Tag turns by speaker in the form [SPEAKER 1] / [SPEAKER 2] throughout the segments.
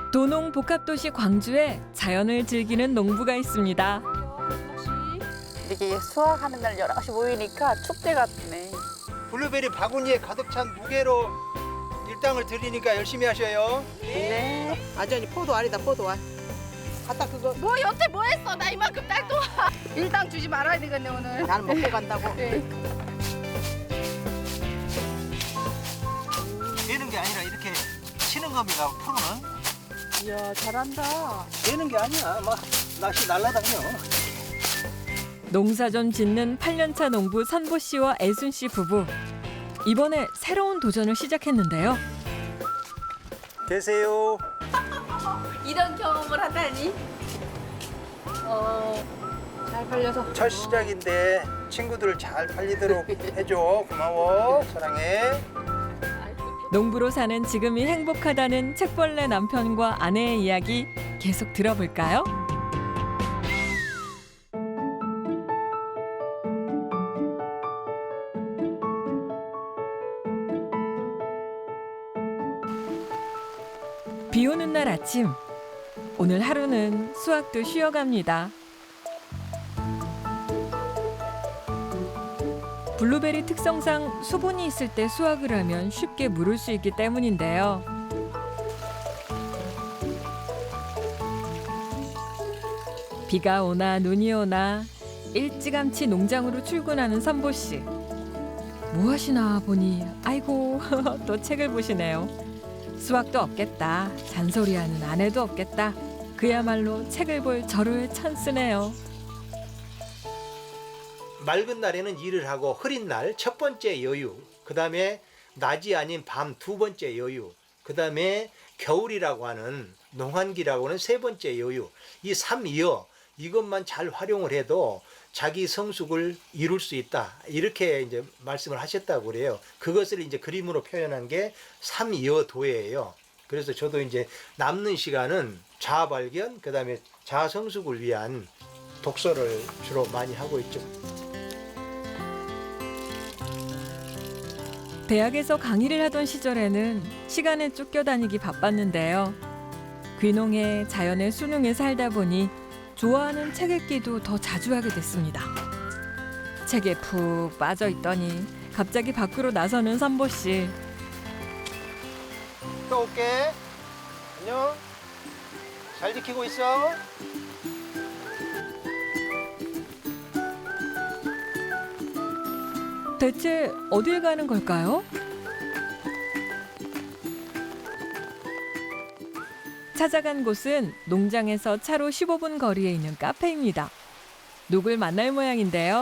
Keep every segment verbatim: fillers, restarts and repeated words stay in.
[SPEAKER 1] 도농 복합도시 광주에 자연을 즐기는 농부가 있습니다.
[SPEAKER 2] 이렇게 수확하는 날 여럿이 모이니까 축제 같네.
[SPEAKER 3] 블루베리 바구니에 가득 찬 무게로 일당을 드리니까 열심히 하셔요.
[SPEAKER 2] 네.
[SPEAKER 4] 완전히 포도알이다, 포도알. 갖다 그거
[SPEAKER 2] 뭐 여태 뭐 했어? 나 이만큼 딸도 일당 주지 말아야 되겠네 오늘.
[SPEAKER 4] 나는 먹고 간다고.
[SPEAKER 2] 네.
[SPEAKER 3] 되는 게 아니라 이렇게 치는 겁니다. 프로는.
[SPEAKER 2] 이야 잘한다.
[SPEAKER 3] 되는 게 아니야. 막 낚시 날라다녀.
[SPEAKER 1] 농사 좀 짓는 팔 년차 농부 선보 씨와 애순 씨 부부. 이번에 새로운 도전을 시작했는데요.
[SPEAKER 3] 계세요.
[SPEAKER 2] 이런 경험을 하다니. 어, 잘 팔려서.
[SPEAKER 3] 첫 시작인데 친구들 잘 팔리도록 해줘. 고마워. 사랑해.
[SPEAKER 1] 농부로 사는 지금이 행복하다는 책벌레 남편과 아내의 이야기 계속 들어볼까요? 비 오는 날 아침, 오늘 하루는 수확도 쉬어갑니다. 블루베리 특성상 수분이 있을 때 수확을 하면 쉽게 무를 수 있기 때문인데요. 비가 오나 눈이 오나 일찌감치 농장으로 출근하는 선보 씨. 뭐 하시나 보니 아이고 또 책을 보시네요. 수확도 없겠다. 잔소리하는 아내도 없겠다. 그야말로 책을 볼 절호의 찬스네요.
[SPEAKER 3] 맑은 날에는 일을 하고 흐린 날 첫 번째 여유. 그다음에 낮이 아닌 밤 두 번째 여유. 그다음에 겨울이라고 하는 농한기라고 하는 세 번째 여유. 이 삼이여 이것만 잘 활용을 해도 자기 성숙을 이룰 수 있다. 이렇게 이제 말씀을 하셨다고 그래요. 그것을 이제 그림으로 표현한 게 삼이여도예요. 그래서 저도 이제 남는 시간은 자아 발견, 그다음에 자아 성숙을 위한 독서를 주로 많이 하고 있죠.
[SPEAKER 1] 대학에서 강의를 하던 시절에는 시간에 쫓겨다니기 바빴는데요. 귀농에 자연의 수능에 살다 보니 좋아하는 책 읽기도 더 자주 하게 됐습니다. 책에 푹 빠져 있더니 갑자기 밖으로 나서는 선보 씨.
[SPEAKER 3] 또 올게. 안녕. 잘 지키고 있어.
[SPEAKER 1] 대체 어딜 가는 걸까요? 찾아간 곳은 농장에서 차로 십오 분 거리에 있는 카페입니다. 누굴 만날 모양인데요.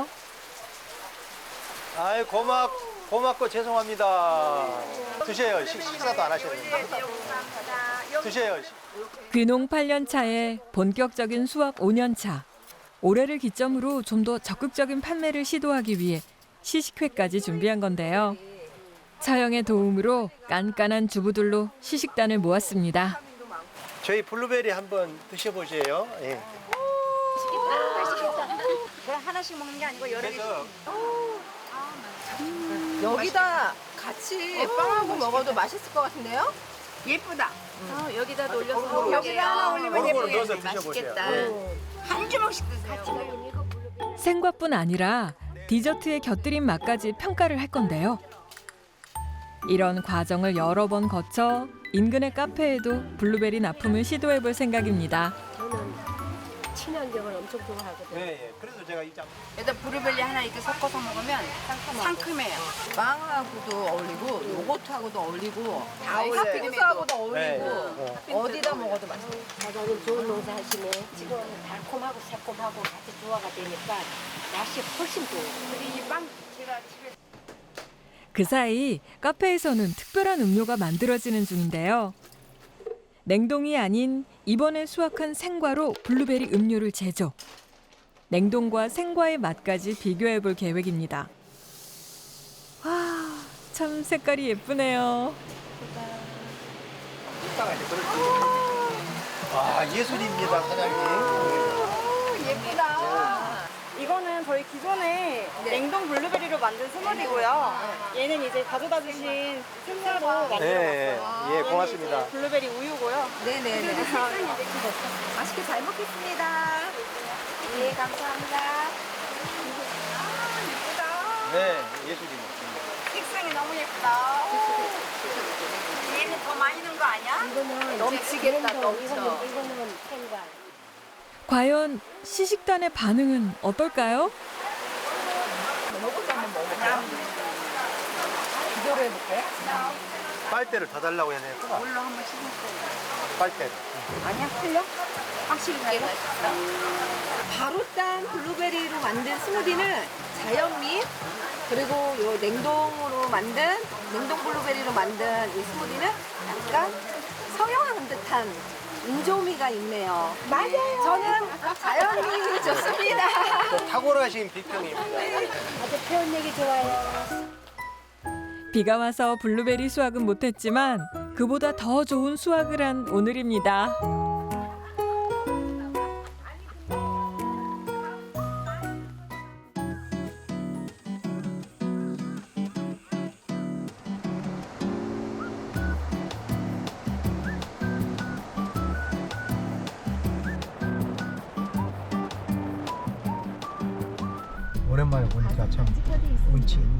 [SPEAKER 3] 아이 고맙 고맙고 죄송합니다. 드세요. 식, 식사도 안 하셨는데. 드세요.
[SPEAKER 1] 귀농 팔 년 차에 본격적인 수확 오 년 차. 올해를 기점으로 좀 더 적극적인 판매를 시도하기 위해 시식회까지 준비한 건데요. 처형의 도움으로 깐깐한 주부들로 시식단을 모았습니다.
[SPEAKER 3] 저희 블루베리 한번 드셔보세요. 예.
[SPEAKER 5] 그냥 하나씩 먹는 게 아니고 여러 개.
[SPEAKER 3] 그래서
[SPEAKER 4] 여기다 같이 빵하고 먹어도 맛있을 것 같은데요?
[SPEAKER 5] 예쁘다. 어, 여기다 올려서
[SPEAKER 3] 고루,
[SPEAKER 5] 여기다 하나 올리면
[SPEAKER 3] 고루
[SPEAKER 5] 예쁘게
[SPEAKER 3] 넣어서 드셔보세요.
[SPEAKER 5] 맛있겠다.
[SPEAKER 3] 네.
[SPEAKER 5] 한 주먹씩 드세요.
[SPEAKER 1] 생과뿐 아니라 디저트에 곁들인 맛까지 평가를 할 건데요. 이런 과정을 여러 번 거쳐 인근의 카페에도 블루베리 납품을 시도해볼 생각입니다.
[SPEAKER 6] 저는 친환경을 엄청 좋아하거든요.
[SPEAKER 3] 네, 예. 그래서 제가 이 장.
[SPEAKER 5] 여기다 브루벨리 하나 이렇게 섞어서 먹으면 상큼해요.
[SPEAKER 4] 빵하고도 어울리고 요거트하고도 어울리고
[SPEAKER 5] 다 어울려요.
[SPEAKER 4] 핫피크스하고도 어울리고
[SPEAKER 3] 네. 어.
[SPEAKER 4] 어디다 먹어도 맛있어요.
[SPEAKER 6] 사장님 좋은 농사 하시네. 지금 달콤하고 새콤하고 같이 조화가 되니까 맛이 훨씬 좋아요.
[SPEAKER 5] 그리고 이빵 제가 집에
[SPEAKER 1] 그 사이 카페에서는 특별한 음료가 만들어지는 중인데요. 냉동이 아닌 이번에 수확한 생과로 블루베리 음료를 제조. 냉동과 생과의 맛까지 비교해볼 계획입니다. 와, 참 색깔이 예쁘네요.
[SPEAKER 3] 아 예술입니다, 사장님.
[SPEAKER 4] 예쁘다.
[SPEAKER 7] 이거는 저희 기존에 냉동 블루베리로 만든 스무디고요. 얘는 이제 가져다 주신 생과로 만들어
[SPEAKER 3] 네,
[SPEAKER 7] 놨어요.
[SPEAKER 3] 예,
[SPEAKER 7] 얘는
[SPEAKER 3] 고맙습니다.
[SPEAKER 7] 이제 블루베리 우유고요.
[SPEAKER 4] 네네네. 맛있게 잘 먹겠습니다.
[SPEAKER 5] 네, 감사합니다.
[SPEAKER 3] 네, 예술입니다.
[SPEAKER 7] 색상이 너무 예쁘다.
[SPEAKER 5] 얘는 더 많이 넣은 거 아니야?
[SPEAKER 6] 이거는
[SPEAKER 4] 넘치겠다,
[SPEAKER 6] 냉동,
[SPEAKER 4] 넘쳐.
[SPEAKER 6] 이거는, 이거는 생과.
[SPEAKER 1] 과연 시식단의 반응은 어떨까요?
[SPEAKER 4] 비교를 해볼까요?
[SPEAKER 3] 빨대를 더 달라고 해야 되겠구나.
[SPEAKER 5] 물로 한번 씻었어요.
[SPEAKER 3] 빨대를.
[SPEAKER 4] 아니야, 틀려?
[SPEAKER 5] 확실히 되게 맛있다.
[SPEAKER 4] 바로 딴 블루베리로 만든 스무디는 자연민 그리고 요 냉동으로 만든 냉동 블루베리로 만든 이 스무디는 약간 서양한 듯한 인조미가 있네요. 맞아요. 저는 자연민이 좋습니다.
[SPEAKER 3] 또 탁월하신 비평입니다.
[SPEAKER 6] 아주 표현력이 좋아요.
[SPEAKER 1] 비가 와서 블루베리 수확은 못했지만 그보다 더 좋은 수확을 한 오늘입니다.
[SPEAKER 3] 오랜만에 보니까 참 운치 있네.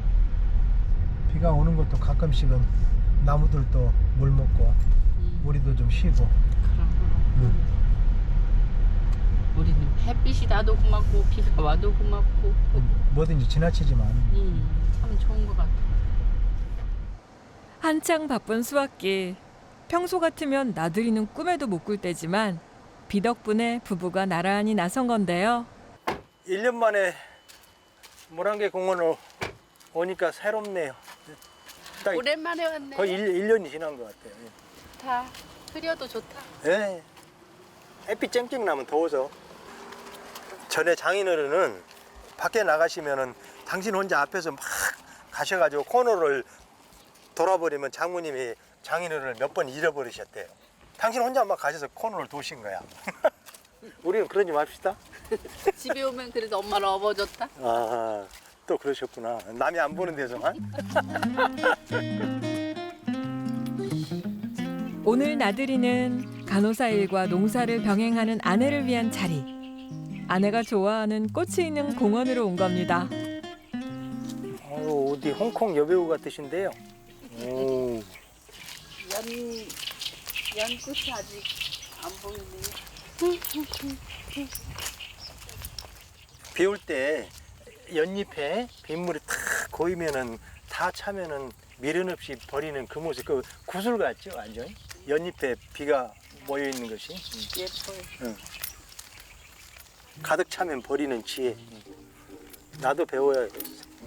[SPEAKER 3] 비가 오는 것도 가끔씩은 나무들도 물 먹고 우리도 좀 쉬고. 응.
[SPEAKER 2] 우리는 햇빛이 나도 고맙고 비가 와도 고맙고
[SPEAKER 3] 뭐든지 지나치지만
[SPEAKER 2] 음, 참 좋은 것 같아.
[SPEAKER 1] 한창 바쁜 수확기. 평소 같으면 나들이는 꿈에도 못 꿀 때지만 비 덕분에 부부가 나란히 나선 건데요.
[SPEAKER 3] 일 년 만에 모란계 공원을 오니까 새롭네요. 딱
[SPEAKER 2] 오랜만에 왔네.
[SPEAKER 3] 거의 일 년이 지난 것 같아요.
[SPEAKER 2] 다 흐려도 좋다.
[SPEAKER 3] 예. 햇빛 쨍쨍 나면 더워서. 전에 장인어른은 밖에 나가시면은 당신 혼자 앞에서 막 가셔가지고 코너를 돌아버리면 장모님이 장인어른을 몇 번 잃어버리셨대요. 당신 혼자 막 가셔서 코너를 도신 거야. 우리는 그러지 맙시다.
[SPEAKER 2] 집에 오면 그래도 엄마를 업어줬다.
[SPEAKER 3] 아, 또 그러셨구나. 남이 안 보는 데서만.
[SPEAKER 1] 오늘 나들이는 간호사 일과 농사를 병행하는 아내를 위한 자리. 아내가 좋아하는 꽃이 있는 공원으로 온 겁니다.
[SPEAKER 3] 어, 어디 홍콩 여배우 같으신데요. 오.
[SPEAKER 2] 연 연꽃이 아직 안 보이네.
[SPEAKER 3] 비 올 때 연잎에 빗물이 탁 고이면은 다 차면은 미련 없이 버리는 그 모습, 그 구슬 같죠, 완전. 연잎에 비가 모여 있는 것이.
[SPEAKER 2] 예뻐요.
[SPEAKER 3] 응. 가득 차면 버리는 지혜. 나도 배워야겠어.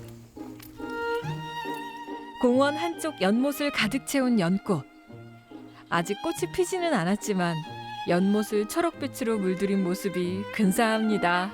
[SPEAKER 1] 공원 한쪽 연못을 가득 채운 연꽃. 아직 꽃이 피지는 않았지만 연못을 초록빛으로 물들인 모습이 근사합니다.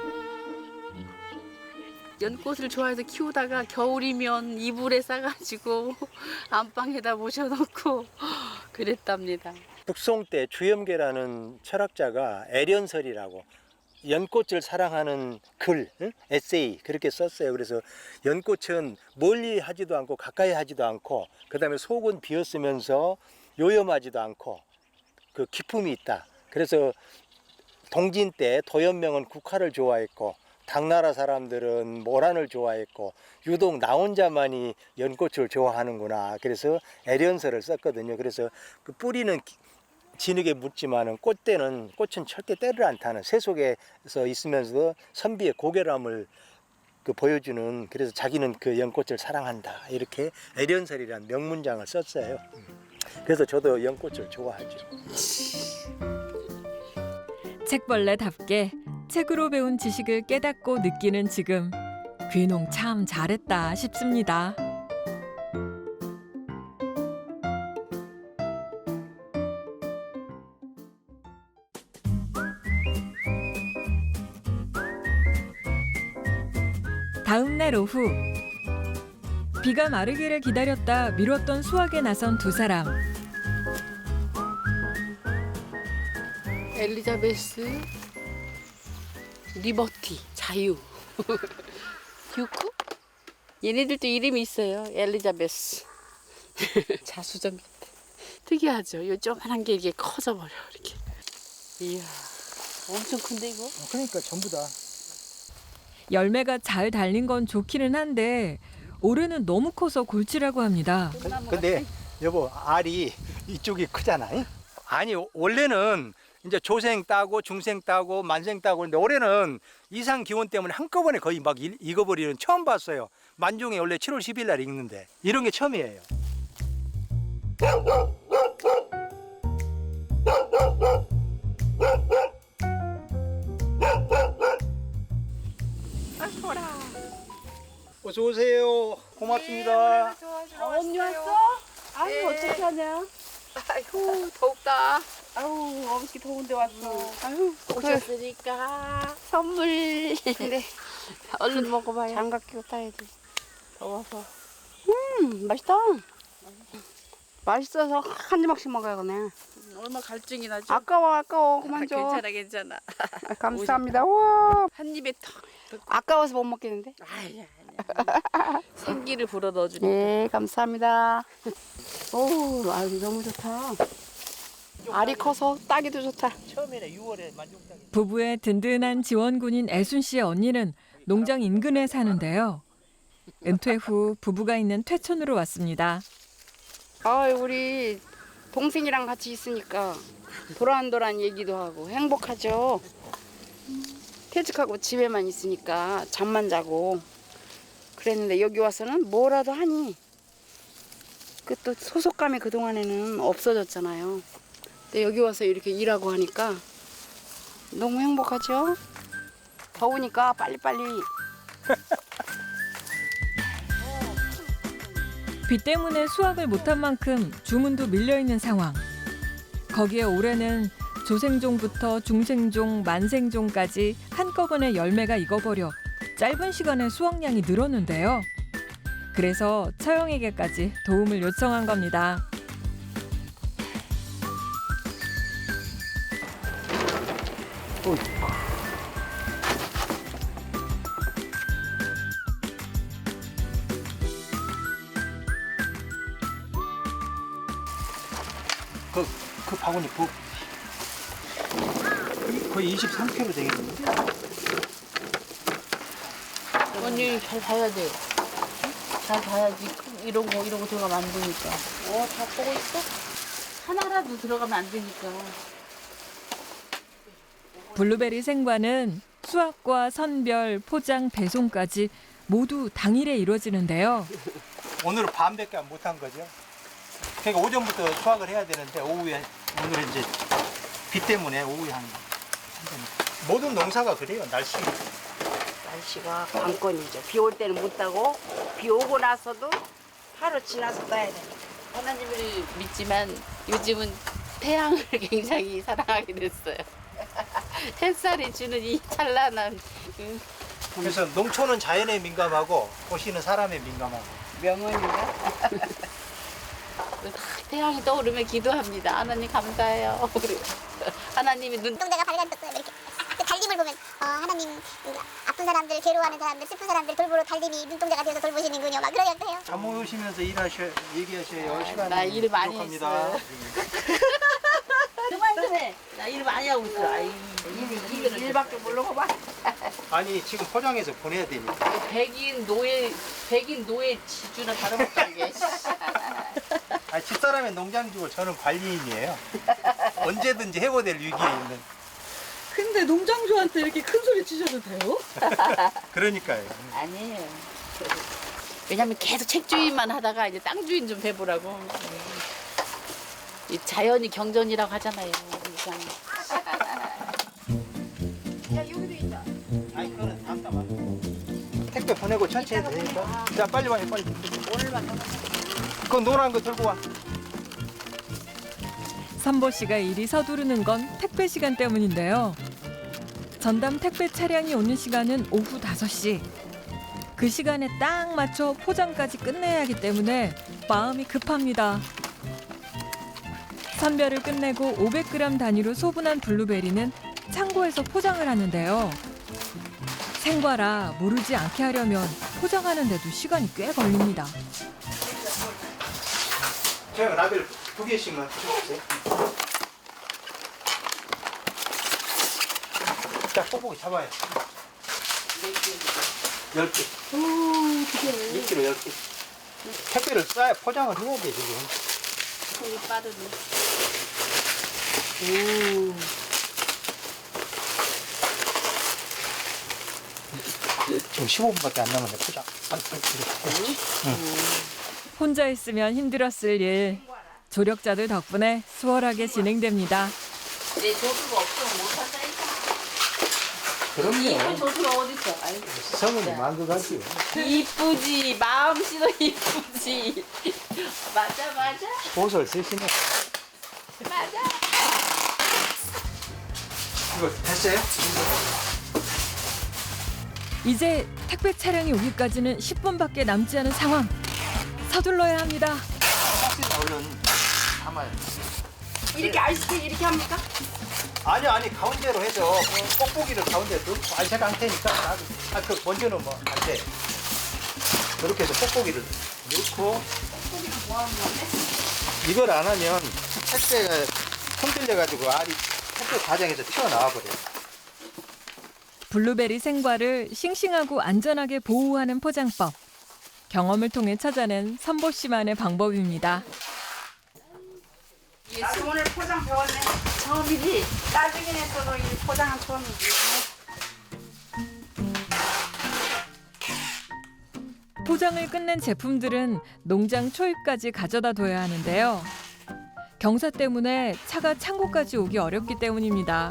[SPEAKER 2] 연꽃을 좋아해서 키우다가 겨울이면 이불에 싸가지고 안방에다 모셔놓고 그랬답니다.
[SPEAKER 3] 북송 때 주염계라는 철학자가 애련설이라고 연꽃을 사랑하는 글, 응? 에세이 그렇게 썼어요. 그래서 연꽃은 멀리 하지도 않고 가까이 하지도 않고 그다음에 속은 비었으면서 요염하지도 않고 그 기품이 있다. 그래서 동진 때 도연명은 국화를 좋아했고 당나라 사람들은 모란을 좋아했고 유독 나 혼자만이 연꽃을 좋아하는구나. 그래서 애련설을 썼거든요. 그래서 그 뿌리는 진흙에 묻지만은 꽃대는 꽃은 절대 때를 안 타는 새 속에서 있으면서도 선비의 고결함을 그 보여주는, 그래서 자기는 그 연꽃을 사랑한다 이렇게 애련설이라는 명문장을 썼어요. 그래서 저도 연꽃을 좋아하죠.
[SPEAKER 1] 책벌레답게 책으로 배운 지식을 깨닫고 느끼는 지금 귀농 참 잘했다 싶습니다. 다음 날 오후 비가 마르기를 기다렸다 미뤘던 수확에 나선 두 사람.
[SPEAKER 2] 엘리자베스 리버티 자유. 유쿠? 얘네들도 이름이 있어요. 엘리자베스. 자수정 같아. 특이하죠. 요 조그만한 게 이게 커져버려 이렇게. 이야, 엄청 큰데 이거?
[SPEAKER 3] 그러니까 전부 다.
[SPEAKER 1] 열매가 잘 달린 건 좋기는 한데 올해는 너무 커서 골치라고 합니다.
[SPEAKER 3] 근데 여보 알이 이쪽이 크잖아. 잉? 아니 원래는 이제 조생 따고 중생 따고 만생 따고 근데 올해는 이상 기온 때문에 한꺼번에 거의 막 일- 익어버리는 처음 봤어요. 만종이 원래 칠월 십일 날 익는데 이런 게 처음이에요. 어서 오세요. 고맙습니다.
[SPEAKER 2] 언니 왔어? 아유 어떻게 하냐? 아이고 덥다. 아유 어떻게 더운데 왔어. 아유 오셨으니까 선물. 근데 얼른 먹어봐요. 장갑 끼고 따야 돼. 더워서. 음 맛있다. 맛있어서 한 조각씩 먹어야겠네. 얼마 갈증이 나죠? 아까워 아까워 그만 줘. 괜찮아 괜찮아. 아, 감사합니다. 와. 한 입에 턱. 아까워서 못 먹겠는데? 아니야 아니야. 생기를 불어 넣어주니까. 네 감사합니다. 오 아유 너무 좋다. 알이 커서 따기도 좋다.
[SPEAKER 3] 처음에는 유월에 만종따기.
[SPEAKER 1] 부부의 든든한 지원군인 애순 씨의 언니는 농장 인근에 사는데요. 은퇴 후 부부가 있는 퇴촌으로 왔습니다.
[SPEAKER 2] 아 우리 동생이랑 같이 있으니까 도란도란 얘기도 하고 행복하죠. 퇴직하고 집에만 있으니까 잠만 자고 그랬는데 여기 와서는 뭐라도 하니 그 또 소속감이 그동안에는 없어졌잖아요. 근데 여기 와서 이렇게 일하고 하니까 너무 행복하죠. 더우니까 빨리빨리.
[SPEAKER 1] 비 때문에 수확을 못한 만큼 주문도 밀려있는 상황. 거기에 올해는 조생종부터 중생종, 만생종까지 한꺼번에 열매가 익어버려 짧은 시간에 수확량이 늘었는데요. 그래서 처형에게까지 도움을 요청한 겁니다.
[SPEAKER 3] 그, 그 바구니 부 거의 이십삼 킬로그램 되겠는데?
[SPEAKER 8] 언니 잘 봐야 돼. 잘 봐야지. 이런 거 이런 거 들어가면 안 되니까. 어, 다 보고 있어? 하나라도 들어가면 안 되니까.
[SPEAKER 1] 블루베리 생과는 수확과 선별, 포장, 배송까지 모두 당일에 이루어지는데요.
[SPEAKER 3] 오늘은 반밖에 못한 거죠. 그러니까 오전부터 수확을 해야 되는데 오후에 오늘은 이제 비 때문에 오후에 하는 거. 모든 농사가 그래요. 날씨.
[SPEAKER 2] 날씨가 관건이죠. 비 올 때는 못 따고 비 오고 나서도 하루 지나서 따야 돼.
[SPEAKER 8] 하나님을 믿지만 요즘은 태양을 굉장히 사랑하게 됐어요. 햇살이 주는 이 찬란한 음,
[SPEAKER 3] 그래서 농촌은 자연에 민감하고 도시는 사람에 민감하고.
[SPEAKER 2] 명언인가?
[SPEAKER 8] 태양이 떠오르면 기도합니다. 하나님 감사해요. 우리 하나님이 눈
[SPEAKER 9] 눈동자가 밝아졌어요. 이렇게 그 달림을 보면 어, 하나님 아픈 사람들, 괴로워하는 사람들, 슬픈 사람들 돌보러 달림이 눈동자가 되어서 돌보시는군요. 막 그러기도 해요.
[SPEAKER 3] 잠오시면서 일하셔, 얘기하셔야 시간이
[SPEAKER 8] 나 일 많이
[SPEAKER 3] 부족합니다.
[SPEAKER 8] 했어요. 그만 좀 해. 나 일 많이 하고 있어. 아이, 일, 일,
[SPEAKER 2] 일밖에 모르고 봐.
[SPEAKER 3] 아니 지금 포장해서 보내야 되니까.
[SPEAKER 8] 백인 노예, 백인 노예 지주는 다름없다 이게.
[SPEAKER 3] 아, 집사람의 농장주고 저는 관리인이에요. 언제든지 해보될 위기에 있는.
[SPEAKER 4] 근데 농장주한테 이렇게 큰 소리 치셔도 돼요?
[SPEAKER 3] 그러니까요.
[SPEAKER 8] 아니에요. 왜냐면 계속 책주인만 하다가 이제 땅 주인 좀 해보라고. 이 자연이 경전이라고 하잖아요. 그러니까.
[SPEAKER 3] 아니 그거는 다음 달 택배 보내고 천천히 해도 되니까. 자 빨리 와요 빨리. 오늘만. 그거 노란 거 들고 와.
[SPEAKER 1] 선보 씨가 일이 서두르는 건 택배 시간 때문인데요. 전담 택배 차량이 오는 시간은 오후 다섯 시. 그 시간에 딱 맞춰 포장까지 끝내야 하기 때문에 마음이 급합니다. 선별을 끝내고 오백 그램 단위로 소분한 블루베리는 창고에서 포장을 하는데요. 생과라 모르지 않게 하려면 포장하는데도 시간이 꽤 걸립니다.
[SPEAKER 3] 제가 라벨 두 개씩만 주세요. 자, 뽁뽁이 잡아요. 열 개. 일 킬로그램 열 개. 택배를 싸야 포장을 해야 돼, 지금.
[SPEAKER 8] 손이 빠르네.
[SPEAKER 3] 오. 지금 십오 분밖에 안 남았네, 포장. 안, 안,
[SPEAKER 1] 혼자 있으면 힘들었을 일. 조력자들 덕분에 수월하게 진행됩니다.
[SPEAKER 8] 내 조수가 없으면 못 한다니까.
[SPEAKER 3] 그럼요.
[SPEAKER 8] 이쁜 조수가 어딨어? 아이고.
[SPEAKER 3] 성은이 만들어가지요.
[SPEAKER 8] 이쁘지. 마음씨도 이쁘지. 맞아 맞아.
[SPEAKER 3] 옷을 쓰시네.
[SPEAKER 8] 맞아.
[SPEAKER 3] 이거 됐어요?
[SPEAKER 1] 이제 택배 차량이 오기까지는 십 분밖에 남지 않은 상황. 서둘러야 합니다.
[SPEAKER 3] 박스에 얼른 담아요.
[SPEAKER 2] 이렇게 아이스크림 이렇게 합니까?
[SPEAKER 3] 아니 아니 가운데로 해서 그 뽁뽁이를 가운데 넣고 알차가 안 테니까 아그 먼저 넣으면 안 돼. 그렇게 해서 뽁뽁이를 넣고 이걸 안 하면 택배가 흔들려 가지고 알이 택배 과정에서 튀어나와 버려요.
[SPEAKER 1] 블루베리 생과를 싱싱하고 안전하게 보호하는 포장법. 경험을 통해 찾아낸 선보 씨만의 방법입니다.
[SPEAKER 2] 나도 오늘 포장 배웠네.
[SPEAKER 8] 처음이지?
[SPEAKER 2] 따지긴 했어도 이 포장은 처음이지.
[SPEAKER 1] 포장을 끝낸 제품들은 농장 초입까지 가져다 둬야 하는데요. 경사 때문에 차가 창고까지 오기 어렵기 때문입니다.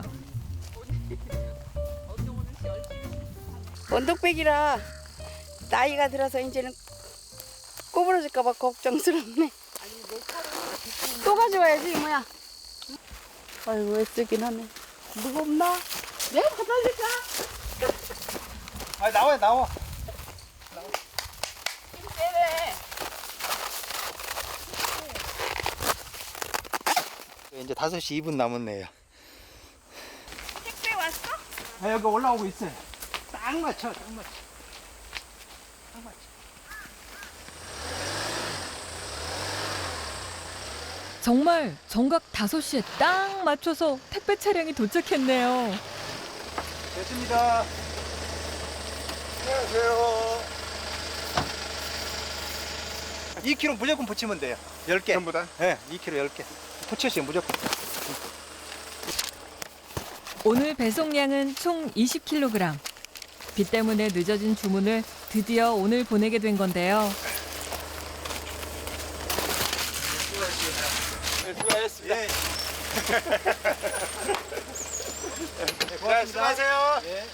[SPEAKER 2] 원독백이라 나이가 들어서 이제는 꼬부러질까봐 걱정스럽네. 또 가져와야지 이모야. 아이고 애쓰긴 하네. 무겁나? 내가 받아줄까?
[SPEAKER 3] 아 나와 나와. 이제 다섯 시 이 분 남았네요.
[SPEAKER 2] 택배 왔어?
[SPEAKER 3] 아, 여기 올라오고 있어요. 딱 맞춰, 딱 맞춰. 딱 맞춰.
[SPEAKER 1] 정말 정각 다섯 시에 딱 맞춰서 택배 차량이 도착했네요.
[SPEAKER 3] 됐습니다. 안녕하세요. 이 킬로그램 무조건 붙이면 돼요. 열 개. 전부 다? 네, 이 킬로그램 열 개. 붙여주세요, 무조건.
[SPEAKER 1] 오늘 배송량은 총 이십 킬로그램. 비 때문에 늦어진 주문을 드디어 오늘 보내게 된 건데요.
[SPEAKER 3] 네, 수고하셨습니다. 예. 네, 수고하세요. 예.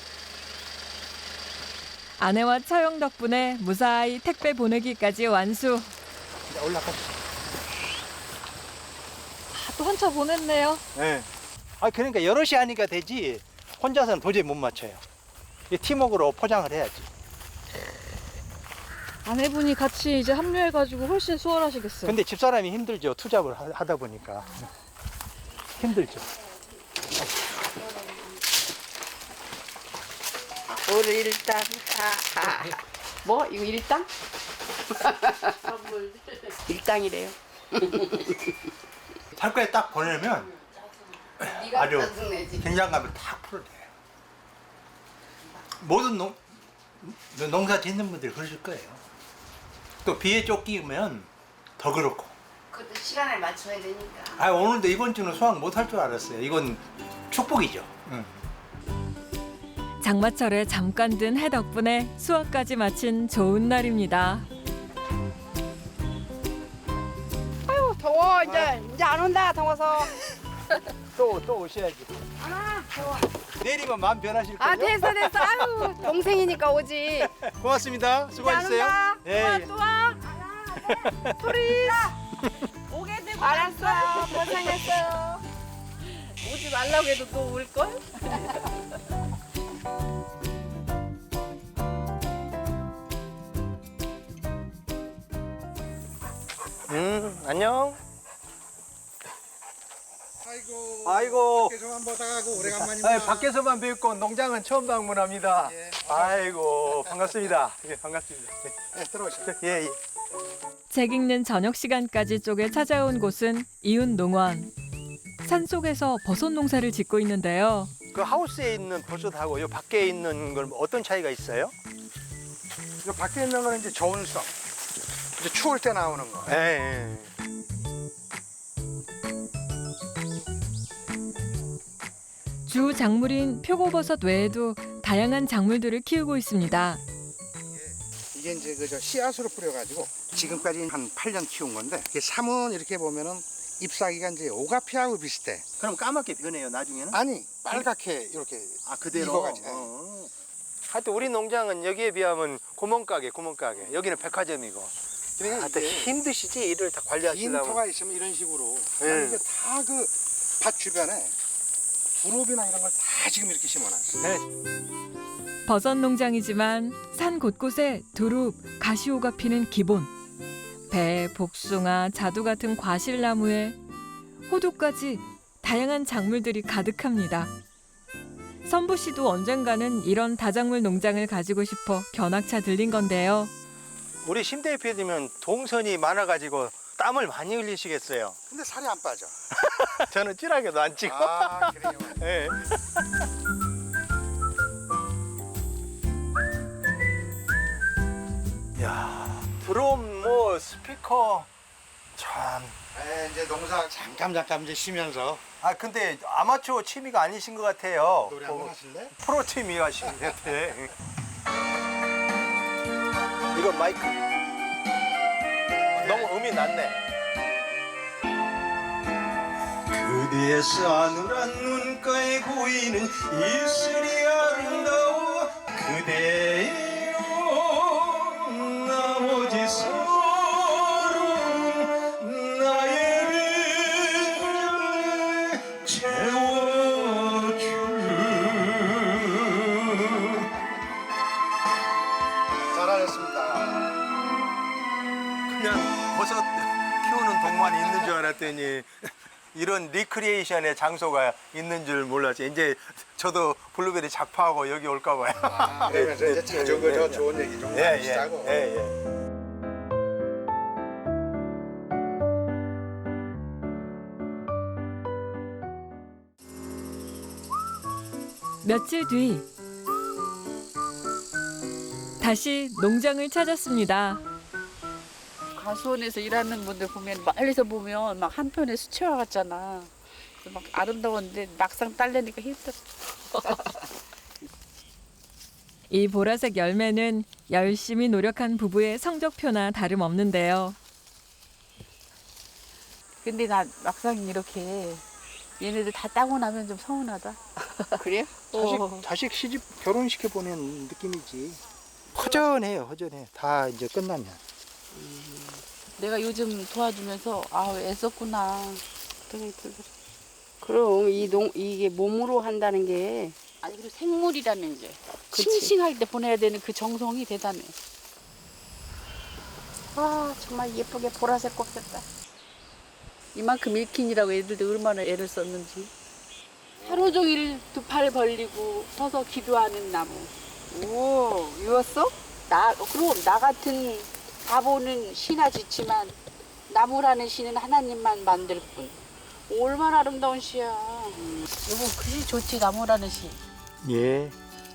[SPEAKER 1] 아내와 처형 덕분에 무사히 택배 보내기까지 완수.
[SPEAKER 3] 자, 올라가.
[SPEAKER 1] 또 한차 보냈네요.
[SPEAKER 3] 네. 아, 그러니까 여럿이 하니까 되지. 혼자서는 도저히 못 맞춰요. 이 팀워크로 포장을 해야지.
[SPEAKER 7] 아내분이 같이 이제 합류해가지고 훨씬 수월하시겠어요.
[SPEAKER 3] 근데 집사람이 힘들죠. 투잡을 하- 하다 보니까. 힘들죠.
[SPEAKER 2] 오늘 일당. 아, 아. 뭐? 이거 일당? 일당이래요.
[SPEAKER 3] 탈거에 딱 보내면 아주 긴장감을 딱 풀어내요. 모든 농, 농사 짓는 분들이 그러실 거예요. 또 비에 쫓기면 더 그렇고.
[SPEAKER 2] 그것도 시간에 맞춰야 되니까.
[SPEAKER 3] 아, 오늘도 이번 주는 수확 못 할 줄 알았어요. 이건 축복이죠. 응.
[SPEAKER 1] 장마철에 잠깐 든 해 덕분에 수확까지 마친 좋은 날입니다.
[SPEAKER 2] 아유 더워 이제 이제 안 온다 더워서.
[SPEAKER 3] 또, 또 오셔야지.
[SPEAKER 2] 아 더워.
[SPEAKER 3] 내리면 마음 변하실 거예요.
[SPEAKER 2] 아 됐어 됐어. 아유 동생이니까 오지.
[SPEAKER 3] 고맙습니다.
[SPEAKER 2] 이제 안
[SPEAKER 3] 수고하셨어요.
[SPEAKER 2] 온다.
[SPEAKER 3] 예,
[SPEAKER 2] 또 와. 소리.
[SPEAKER 7] 오게 되고
[SPEAKER 2] 알았어. 고생했어요.
[SPEAKER 8] 오지 말라고 해도 또 올걸?
[SPEAKER 3] 음, 안녕. 아이고.
[SPEAKER 10] 밖에서만 보다가고 오래간만입니다.
[SPEAKER 3] 아, 밖에서만 뵙고 농장은 처음 방문합니다.
[SPEAKER 10] 예.
[SPEAKER 3] 아이고 반갑습니다. 예, 반갑습니다.
[SPEAKER 10] 예, 들어오시죠.
[SPEAKER 3] 예, 예.
[SPEAKER 1] 책 읽는 저녁 시간까지 쪼개 찾아온 곳은 이웃 농원. 산속에서 버섯 농사를 짓고 있는데요.
[SPEAKER 3] 그 하우스에 있는 버섯하고 요 밖에 있는 건 어떤 차이가 있어요?
[SPEAKER 10] 이거 밖에 있는 거는 이제 좋은 성. 이제 추울 때 나오는 거.
[SPEAKER 3] 예, 예.
[SPEAKER 1] 주 작물인 표고버섯 외에도 다양한 작물들을 키우고 있습니다.
[SPEAKER 10] 이게 이제 그저 씨앗으로 뿌려가지고 지금까지 한 팔 년 키운 건데 이게 삼은 이렇게 보면은 잎사귀가 이제 오가피하고 비슷해.
[SPEAKER 3] 그럼 까맣게 변해요 나중에는?
[SPEAKER 10] 아니 빨갛게 이렇게
[SPEAKER 3] 아 그대로?
[SPEAKER 10] 익어가지고.
[SPEAKER 3] 어. 하여튼 우리 농장은 여기에 비하면 구멍가게 구멍가게 여기는 백화점이고
[SPEAKER 10] 그러니까
[SPEAKER 3] 하여튼
[SPEAKER 10] 이게
[SPEAKER 3] 힘드시지 일을 다 관리하시려면
[SPEAKER 10] 인터가 있으면 이런 식으로
[SPEAKER 3] 예.
[SPEAKER 10] 아니, 이게 다 그 밭 주변에 두릅이나 이런 걸 다 지금 이렇게 심어놨어.
[SPEAKER 3] 네.
[SPEAKER 1] 버섯 농장이지만 산 곳곳에 두릅, 가시오가 피는 기본. 배, 복숭아, 자두 같은 과실나무에 호두까지 다양한 작물들이 가득합니다. 선부 씨도 언젠가는 이런 다작물 농장을 가지고 싶어 견학차 들린 건데요.
[SPEAKER 3] 우리 심 대표님은 동선이 많아가지고 땀을 많이 흘리시겠어요.
[SPEAKER 10] 근데 살이 안 빠져.
[SPEAKER 3] 저는 찌라게도 안 찌고.
[SPEAKER 10] 아 그래요.
[SPEAKER 3] 예. 야, 드럼 뭐 스피커 참.
[SPEAKER 10] 네, 이제 농사 잠깐 잠깐 이제 쉬면서
[SPEAKER 3] 아 근데 아마추어 취미가 아니신 것 같아요.
[SPEAKER 10] 노래 한번
[SPEAKER 3] 어,
[SPEAKER 10] 하실래?
[SPEAKER 3] 프로 취미 하신 것 같아. 이거 마이크. 너무 음이 낮네. 그대의 싸늘한 눈가에 보이는 입술이 아름다워 그대여 나머지 서름 나의 빈장을 채워줄
[SPEAKER 10] 잘하셨습니다.
[SPEAKER 3] 그냥 버섯 키우는 동만이 있는 줄 알았더니 이런 리크리에이션의 장소가 있는 줄 몰랐지. 이제 저도 블루베리 작파하고 여기 올까 봐요.
[SPEAKER 10] 아, 그러면서 이제 자주 그저 좋은 얘기 좀
[SPEAKER 3] 예,
[SPEAKER 10] 하시자고.
[SPEAKER 3] 예, 예, 예.
[SPEAKER 1] 며칠 뒤 다시 농장을 찾았습니다.
[SPEAKER 8] 가수원에서 일하는 분들 보면 멀리서 보면 막 한편의 수채화 같잖아. 막 아름다웠는데 막상 딸려니까 힘들어.
[SPEAKER 1] 이 보라색 열매는 열심히 노력한 부부의 성적표나 다름없는데요.
[SPEAKER 8] 근데 나 막상 이렇게 얘네들 다 따고 나면 좀 서운하다.
[SPEAKER 2] 그래요?
[SPEAKER 3] 자식,
[SPEAKER 8] 어.
[SPEAKER 3] 자식 시집 결혼시켜 보낸 느낌이지. 허전해요, 허전해. 다 이제 끝나면.
[SPEAKER 8] 내가 요즘 도와주면서 아 애썼구나. 그런 생각이 들더라.
[SPEAKER 2] 그럼 이 농 이게 몸으로 한다는 게
[SPEAKER 8] 아니 그리고 생물이라는 게
[SPEAKER 2] 그치.
[SPEAKER 8] 싱싱할 때 보내야 되는 그 정성이 대단해.
[SPEAKER 2] 아 정말 예쁘게 보라색 꽃 폈다.
[SPEAKER 8] 이만큼 일킨이라고 애들도 얼마나 애를 썼는지. 하루 종일 두 팔 벌리고 서서 기도하는 나무.
[SPEAKER 2] 오 이었어?
[SPEAKER 8] 나 그럼 나 같은 바보는 시나 짓지만 나무라는 시는 하나님만 만들 뿐. 얼마나 아름다운 시야. 여보 그게 좋지 나무라는 시.
[SPEAKER 3] 예.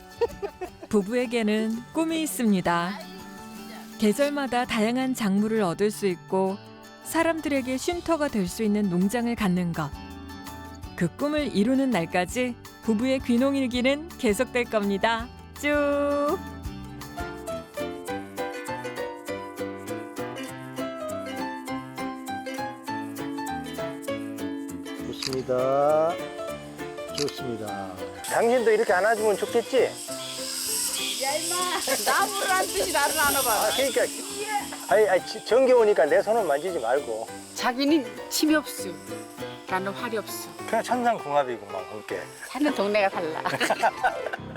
[SPEAKER 1] 부부에게는 꿈이 있습니다. 계절마다 다양한 작물을 얻을 수 있고 사람들에게 쉼터가 될 수 있는 농장을 갖는 것. 그 꿈을 이루는 날까지 부부의 귀농일기는 계속될 겁니다. 쭉!
[SPEAKER 3] 좋습니다. 좋습니다. 당신도 이렇게 안아주면 좋겠지?
[SPEAKER 8] 나무라는 뜻이 나를 안아봐.
[SPEAKER 3] 아, 그러니까. 아니, 아니, 정기 오니까 내 손은 만지지 말고.
[SPEAKER 8] 자기는 침이 없어. 나는 활이 없어.
[SPEAKER 3] 그냥 천상궁합이구만, 함께.
[SPEAKER 8] 사는 동네가 달라.